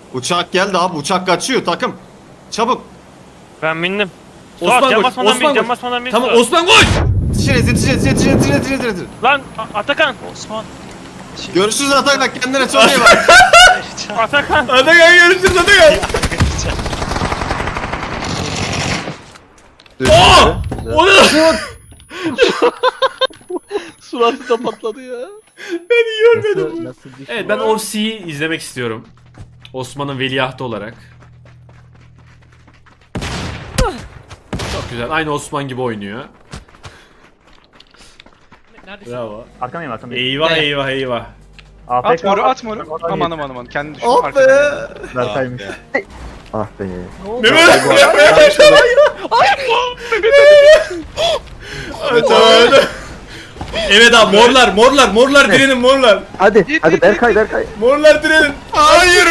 Uçak geldi abi, uçak kaçıyor takım. Çabuk. Ben bindim. Osman Suat, cam koş, basmadan Osman bin, cam koş. basmadan bin. Tamam Suat. Osman koş. Yetişin. Lan Atakan. Osman. Görüşürüz Atakan, kendine çok iyi bak. Atakan. Hadi gel görüşürüz hadi gel. Oo! O ne lan? Suratı da patladı ya. Ben iyi görmedim. Nasıl düştü? Evet ben OFC'yi izlemek istiyorum. Osman'ın veliahtı olarak. Çok güzel. Aynı Osman gibi oynuyor. Bravo. Arkamdayım arkamdayım. Eyvah. AFK. At moru. Aman. Kendini düşün. Oh be. Berkay'mış. Ah be. Mehmet! Evet abi morlar direnin morlar. Hadi Berkay. Morlar direnin. Hayır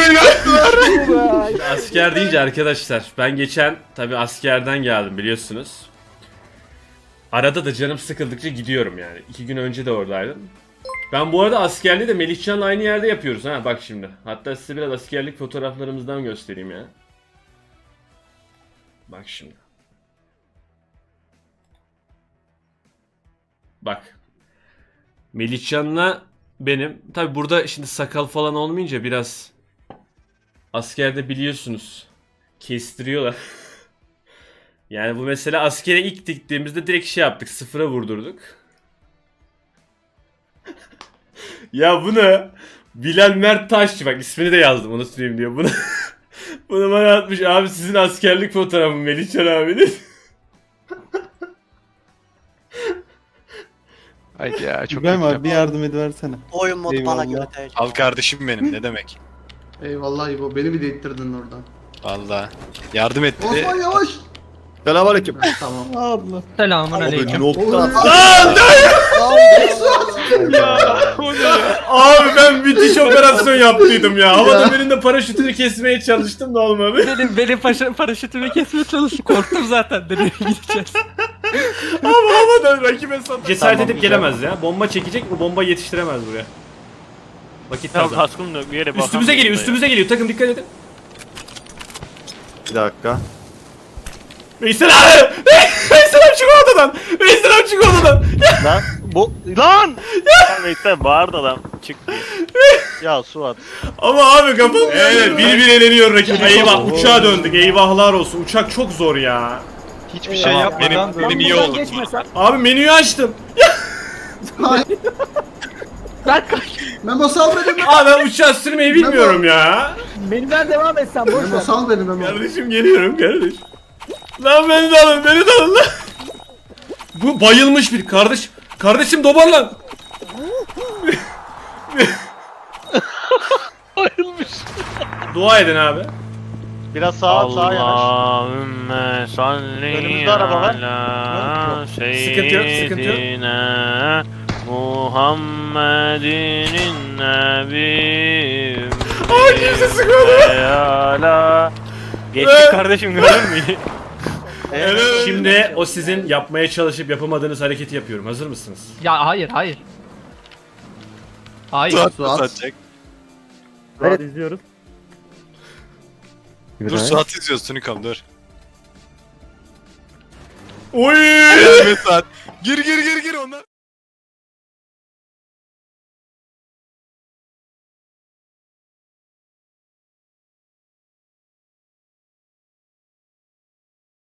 Asker deyince arkadaşlar ben geçen tabi askerden geldim biliyorsunuz. Arada da canım sıkıldıkça gidiyorum yani. 2 gün önce de oradaydım. Ben bu arada askerliği de Melihcan'la aynı yerde yapıyoruz ha bak şimdi. Hatta size biraz askerlik fotoğraflarımızdan göstereyim ya. Bak şimdi. Bak. Melihcan'la benim. Tabi burada şimdi sakal falan olmayınca biraz askerde biliyorsunuz kestiriyorlar. Yani bu mesela askere ilk diktiğimizde direkt şey yaptık, sıfıra vurdurduk. Ya bunu Bilal Mert Taşçı, bak ismini de yazdım onu söyleyeyim diyor. Bunu bana atmış abi, sizin askerlik fotoğrafı Melihcan abinin. Haydi ya çok İbrahim abi bir yardım ediversene. Oyun modu bana Eyvallah. göre değil. Al kardeşim benim ne demek. Eyvallah İbo, beni bir de ittirdin oradan. Valla. Yardım etti. Osman yavaş. Selamünaleyküm. Tamam. Abla. Selamun aleyküm. Abi ben müthiş operasyon yaptıydım ya. Havada birinde paraşütünü kesmeye çalıştım da olmadı. Benim paraşütümü kesmeye çalıştım. Korktum zaten. Nereye gideceğiz? Ama havadan rakibe sat. Cesaret edip gelemez ya. Bomba çekecek mi? Bomba yetiştiremez buraya. Vakit Tamam kazan. kaskım da bir yere bakamıyorum Üstümüze geliyor. Takım dikkat edin. Bir dakika. Veysel abi! Veysel abi çık odadan! Veysel abi çık odadan! Lan bu lan Ya Veysel bağırdı adam. Çık diye. ya Suat. Ama abi kafam... Evet bir eleniyor rakip. Eyvah uçağa döndük. Eyvahlar olsun. Uçak çok zor ya. hiçbir şey yapmadan Benim iyi oldu. Abi menüyü açtım. Memo sal beni. Abi ben uçağı sürmeyi bilmiyorum ya. Benimden devam et sen boş Memo sal beni Memo. Kardeşim geliyorum kardeş. Lan beni de alın lan. Bu bayılmış bir kardeş. Kardeşim dobarlan. Bayılmış. Dua edin abi. Biraz sağa yanaş. Allahümme salli Önümüzde araba var. ala Sıkıntı yok, sıkıntı yok. seyyidina Muhammedinin nebi. Aa kimse sıkmadı. Ala. Geçtik kardeşim gördün mü? Şimdi o sizin yapmaya çalışıp yapamadığınız hareketi yapıyorum. Hazır mısınız? Ya hayır. Suat Suat. satacak. Evet izliyoruz. Dur Suat izliyoruz Tunikam dur. Oy! Evet Suat. Gir onlar.